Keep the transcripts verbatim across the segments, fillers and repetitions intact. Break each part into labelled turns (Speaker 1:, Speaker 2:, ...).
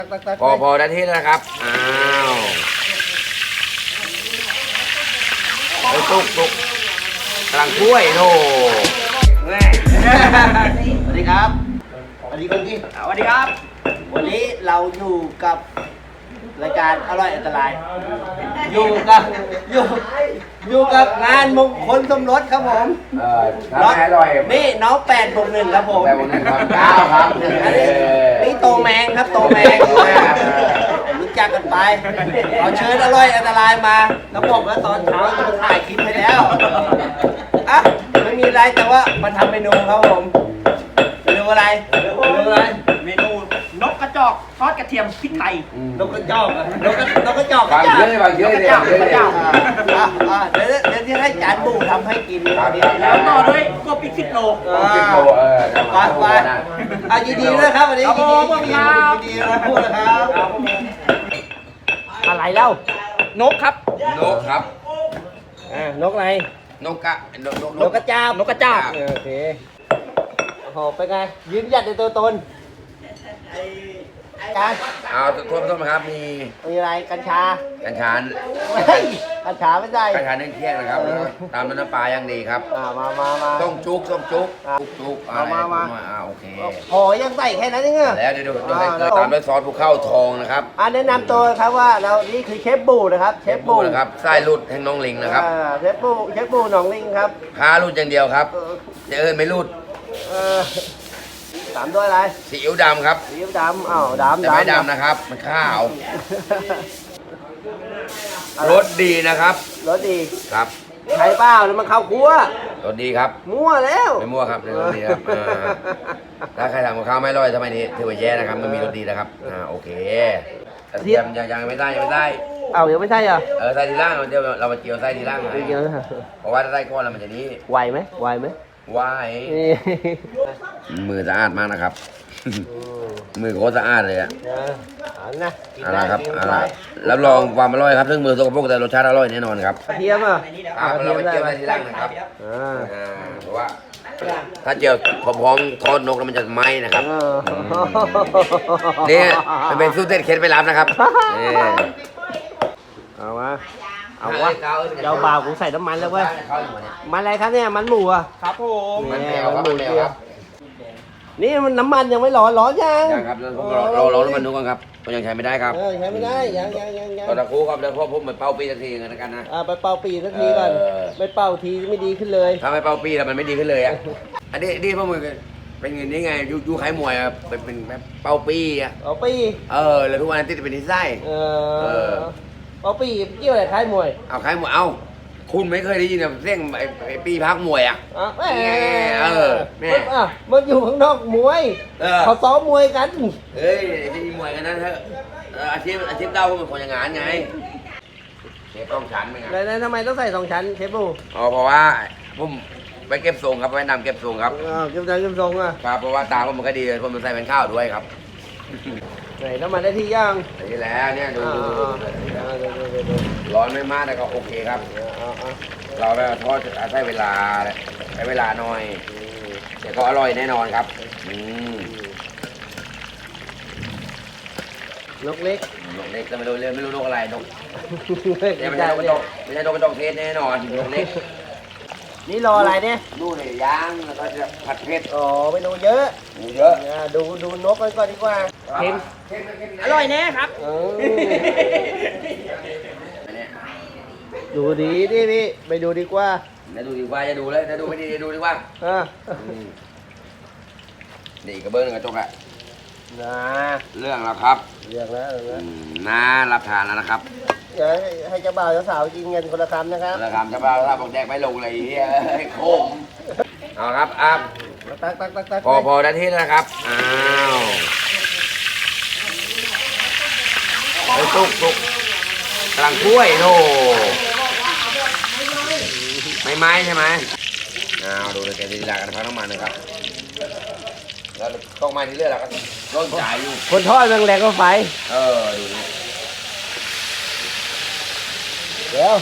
Speaker 1: พอพอได้ที่แล้วนะครับอ้าวไอ้ตุกตุกกำลังช่วยโน่
Speaker 2: สวัสดีครับสวัสดีคนที่สวัสดีครับวันนี้เราอยู่กับรายการอร่อยอันตรายอยู่กับอยู่อยู่กับงานมงคลสมรสครับผม
Speaker 1: เออทำให้อร่อย
Speaker 2: นี่น้องแปดบวกหนึ่งครับผม
Speaker 1: แปดบวกหนึ่งครับเก้าครับ
Speaker 2: นี่โตแมงครับโตแมงรู้จักกันไปเอาเชิญอร่อยอันตรายมาแล้วบอกว่าตอนเช้าจะมาถ่ายคลิปให้แล้วอ่ะไม่มีอะไรแต่ว่ามาทำเมนูครับผมเมนูอะไรเมนูอะไร
Speaker 3: เมนูนกกระจอกทอดกระเทียมพริกไทย
Speaker 2: นกกระจอกนกกระนกกระจอก
Speaker 1: บางเยอะบางเยอะเลยบางเยอะเลย
Speaker 2: เดี๋ยวเดี๋ยวที่ให้จานบูทำให้กิน
Speaker 3: แล้วต่อด้วยกบอีกสิบโล
Speaker 1: สิบโลเออ
Speaker 2: ไปไปอ่ะยินดีด้วยครับวันนี้ยินดียินดียินดีนะพูดนะครับอะไรเล่านกครับ
Speaker 1: นกครับ
Speaker 2: อ่านกอะไร
Speaker 1: นกกะนก
Speaker 2: นกกระจาบ
Speaker 3: นกกระจาบ
Speaker 2: โอเคโอ้โหเป็นไงยืนหยัดในตัวตนการ
Speaker 1: เอาทั่วต้นครับมี
Speaker 2: มีอะไรกัญชา
Speaker 1: กัญชา
Speaker 2: กัญชาไม่ได้
Speaker 1: กัญชาเนื่องเที่ยงนะครับตามน้ำปลาอย่างดีครับ
Speaker 2: มามามา
Speaker 1: ต้องจุกต้องจุกจุกจุกอะไรมามาอ่าโอเค
Speaker 2: โอ้ยังใส่แค่นั้นเองเหรอ
Speaker 1: แล้วเดี๋ยวดูให้ตามด้วยซอสภูเข้าทองนะครับ
Speaker 2: อ่าแนะนำตัวครับว่าเรานี่คือเชฟบูนะครับเชฟบู
Speaker 1: นะครับไส้ลุดแห่งน้องลิงนะครับ
Speaker 2: เชฟบูเชฟบูน้องลิงครับ
Speaker 1: พาลุดอย่างเดียวครับจะเอิญไม่ลุด
Speaker 2: ตามด้วยอะไร
Speaker 1: ซีอิ๊วดำครับ
Speaker 2: ซีอิ๊วดำอ้าวดำ
Speaker 1: แต่ไม่ดำนะครับมันข้าวรสดีนะครับ
Speaker 2: รสดี
Speaker 1: ครับ
Speaker 2: ใช่เปล่าแล้วมันข้าวคั่ว
Speaker 1: รสดีครับ
Speaker 2: มั่วแล้ว
Speaker 1: ไม่มั่วครับรสดีครับถ้าใครทำกับข้าวไม่อร่อยทำไมนี่ถือว่าแย่นะครับมันมีรสดีนะครับอ่าโอเคเทียมยังยังไม่ได้ยังไม่ได้
Speaker 2: เอายังไม่ใช่เหรอ
Speaker 1: เออไส้ทีล่างเดี๋ยวเรามาเจียวไส้ทีล่างเลยเพราะว่าถ้าไส้ก้อนแล้วมันจะนี้
Speaker 2: ไหวไหมไหวไหม
Speaker 1: ไหวมือสะอาดมากนะครับมือโคตรสะอาดเลยอ่ะ
Speaker 2: อันนะ
Speaker 1: อะไรครับอะไรรับรองความอร่อยครับซึ่งมือสกปรกแต่รสชาติอร่อยแน่นอนครับ
Speaker 2: กระเทียมอ่ะ
Speaker 1: เราไปเจียวไส้ทีล่างนะครับเพราะว่าถ้าเจียวพร้อมๆทอดนกแล้วมันจะไหม้นะครับนี่มันเป็นสูตรเด็ดเคล็ดไปรับนะครับ
Speaker 2: เอามาเอาวะเจ้าบ่าวกูใส่น้ำมันแล้วเว้ยมันอะไรครับเนี่ยมันหมูอ่ะ
Speaker 3: ครับผม
Speaker 1: มันแมวครับมันแมวครับ
Speaker 2: นี่มันน้ำมันยังไม่ร้อนร้อนยัง
Speaker 1: ยังครับเราเราน้ำมันดูก่อนครับมันยังใช้ไม่ได้ครับ
Speaker 2: ใช้ไม่ได้ยังยังยังยัง
Speaker 1: ตอนตะคูครับเดี๋ยวพ่อผมไปเป่าปีสักทีกันกันนะ
Speaker 2: อ่าไปเป่าปีสักทีก่อนไปเป่าทีไม่ดีขึ้นเลย
Speaker 1: ถ้าไม่เป่าปีแล้วมันไม่ดีขึ้นเลยอ่ะอันนี้นี่พ่อมึงเป็นเงินนี่ไงยูยูขายมวยอ่ะเป็นเป็นแบบเป่าปีอ่ะ
Speaker 2: เป่าปี
Speaker 1: เออแล้วทุกวันติดเป็นนิสัย
Speaker 2: เออเป่าปีเกี่ยวอะไรขายมวย
Speaker 1: เอาขายมวยเอาคุณไม่เคยได้ยินแบบเรื่องไอ้ปีพักมวยอ่ะ
Speaker 2: เออแม่มันอยู่ข้างนอกมวยเขาซ้อมมวยกัน
Speaker 1: เฮ้ยที่มวยกันนั่นเถอะอาชีพอาชีพเก่าเป็นคนอย่างงานไงเชฟต้องชั้นเป็นไง
Speaker 2: แล้วทำไมต้องใส่สองชั้นเชฟบู
Speaker 1: อ๋อเพราะว่าผมไปเก็บทรงครับไปนำเก็บทรงครับ
Speaker 2: เก็บทรงเก็บทรงอ่ะ
Speaker 1: ครับเพราะว่าตาผมมันก็ดีผมมันใส่เป็นข้าวด้วยครับ
Speaker 2: ไหนน้ำมันได้ที่ย่าง
Speaker 1: นี่แหละเนี่ยดูร้อนไม่มากแต่ก็โอเคครับเราไปทอดใช้เวลาใช้เวลาหน่อยแต่ก็อร่อยแน่นอนครับ
Speaker 2: นกเล็ก
Speaker 1: นกเล็กแต่ไม่รู้เรื่องไม่รู้นกอะไรนกเนี่ยไม่ใช่นกกระจอกไม่ใช่นกกระจอกเทศแน่นอนนกเล็ก
Speaker 2: นี่รออะไรเนี่ย
Speaker 1: ดูเลยย่างแล้วก็จะผัดเผ็ด
Speaker 2: อ๋อไม่ดูเยอะ
Speaker 1: ดูเยอะ
Speaker 2: ดูดูนกกันก่อนดีกว่าเค็ม
Speaker 3: อร่อยแน่ครับ
Speaker 2: ดูดีดิพี่ไปดูดีกว่า
Speaker 1: จะดูดีกว่าจะดูเลยจะดูไม่ดีจะดูดีกว่าดีกระเบื้องกระจกอะ
Speaker 2: นะ
Speaker 1: เรื่องแล้วครับ
Speaker 2: เรื่องแล้ว
Speaker 1: น่ารับทานแล้วนะครับ
Speaker 2: เดี๋ยวให้เจ้าบ่าวเจ้าสาวกินเงินคนละคำนะครับ
Speaker 1: คนละคำเจ้าบ่าวเจ้าสาวบอกแดกไม่ลงเลยให้โค้งเอาครับอ่ะ
Speaker 2: ตักตักตักตัก
Speaker 1: พอพอได้ที่แล้วนะครับอ้าวไอ้ตุกตุกกำลังช่วยโน่ไม่ไม้ใช่ไหมอ้าวดูเลยแกดีลากันพักน้ำมันนะครับแล้วต้องมาที่เรื่อยเราก็ร่นจ่ายอยู่
Speaker 2: คนทอดแรงแรงก็ไฟ
Speaker 1: เออดูนี่
Speaker 2: เดี๋ยว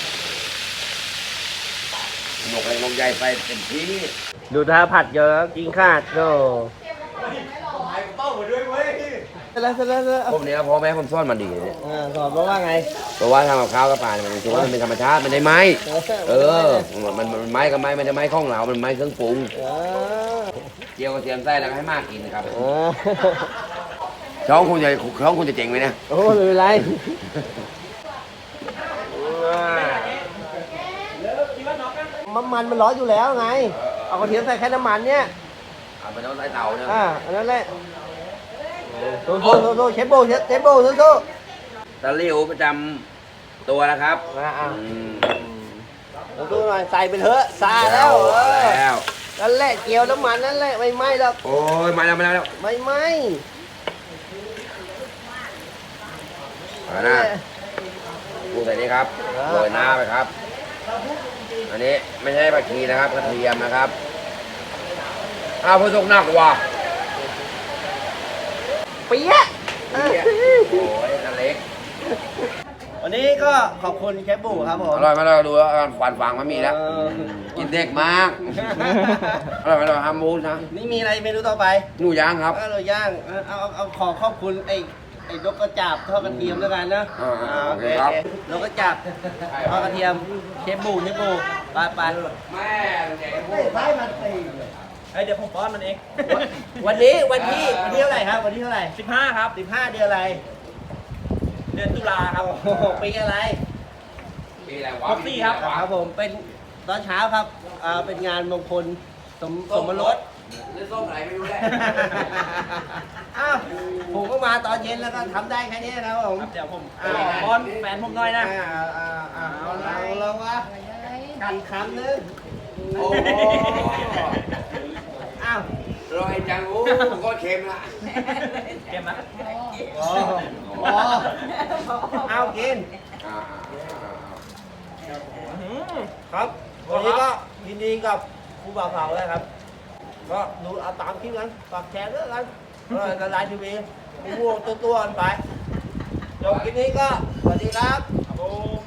Speaker 1: หนกอะไรลงใหญ่ไปเต็มที่
Speaker 2: ดูท่าผัดเยอะกินขาดโน่เสร็จแล้วเสร็จแล้วเสร็จแล้ว
Speaker 1: พวกนี้พ่อแม่ผมซ่อนมันดีเนี่ย
Speaker 2: อ่าสอนบอกว่าไง
Speaker 1: เพราะว่าทำกับข้าวกับปลาเนี่ยมันถือว่ามันเป็นธรรมชาติมันได้ไหมเออมันมันไม้กับไม้มันได้ไม้ข้องเรามันไม้เครื่องปรุง
Speaker 2: เออ
Speaker 1: เจียวกระเทียมไส้แล้วก็ให้มากกินนะครับ
Speaker 2: เออ
Speaker 1: ช่องคุณจะช่องคุณจะเจ๋งไหมเนี่ย
Speaker 2: โอ้ไม่เป็นไรมันมันมันร้อนอยู่แล้วไง เอากระเทียมใส่แค่น้ำมันเนี่ย
Speaker 1: เอาไปต้องใส่เตาเนี่ย
Speaker 2: อ่าอันนั้นแหละโซ่โซ่โซ่โซ่เชฟโบเชฟเชฟโบโซ่โซ่
Speaker 1: ตะหลิวประจำตัวนะครับ
Speaker 2: อ่าอ่า
Speaker 1: อืม
Speaker 2: โซ่โซ่หน่อยใส่ไปเถอะซาแล้วเออ
Speaker 1: แล้ว
Speaker 2: นั่นแหละเกี่ยวน้ำมันนั่นแหละไม่ไหม้หรอก
Speaker 1: โอ้ยมาแล้วมาแล้ว
Speaker 2: ไม่ไหม้
Speaker 1: เอานะปูใส่นี่ครับโรยหน้าไปครับ อันนี้ไม่ใช่ผักชีนะครับกระเทียมนะครับอ้าวพอสุกหนักว่ะ
Speaker 2: เปี๊ยะ
Speaker 1: โอ้ยกันเล็ก
Speaker 2: วันนี้ก็ขอบคุณเชฟบูครับผม
Speaker 1: อร่อยไหมเราดูแล้วควันฟังมันมีแล้ว
Speaker 2: เออ
Speaker 1: กินเด็กมากอร่อยไหมเราทำมูสนะ
Speaker 2: นี่มีอะไรเมนูต่อไป
Speaker 1: หนูย่างครับ
Speaker 2: เอาเราย่างเอาเอาเอาขอขอบคุณไอ้ไอ้นกกระจาบทอดกระเทียมแล้วกันนะ
Speaker 1: อ่าอ่า
Speaker 2: โอเค
Speaker 1: ครับ
Speaker 2: โอเคนกกระจาบทอดกระเทียมเชฟบูเชฟบูไปไป
Speaker 1: แม่เด็ก
Speaker 2: ไม่ใช่มันตี
Speaker 3: เฮ้ยเดี๋ยวผมป้อนมันเอง
Speaker 2: วันนี้วันที่วันที่เท่าไหร่ครับวันที่เท่าไหร่
Speaker 3: สิบห้าครับ
Speaker 2: สิบห้าเดือนอะไร
Speaker 3: เดือนตุลาครับ
Speaker 2: โอ้โหปีอะไร
Speaker 1: ปีอะไรวะ
Speaker 3: ครบสี่ครับ
Speaker 2: ครับผมเป็นตอนเช้าครับอ่าเป็นงานมงคลสมสมรส
Speaker 1: เล่นส้มไหนไม่รู้แหละ
Speaker 2: อ้าวผมก็มาตอนเย็นแล้วก็ทำได้แค่นี้นะครับผม
Speaker 3: เดี๋ยวผมป้อนแฟนผมหน่อยนะ
Speaker 2: อ่าอ่าอ่าเอาละเอาละวะกันคำนึง
Speaker 1: โอ้โห
Speaker 2: อ้าว
Speaker 1: อร่อยจังโอ้ก็เค็มละ
Speaker 3: เก็บนะ
Speaker 2: โอ้โหเอากิน
Speaker 1: อ่า
Speaker 2: ครับวันนี้ก็ยินดีกับครูบ่าวเผาเลยครับ ก็ดูเอาตามคลิปกันฝากแชร์ด้วยกันละลายทีวีม่วงตัวๆกันไปจบคลิปนี้ก็สวัสดีครับ
Speaker 3: ครับผม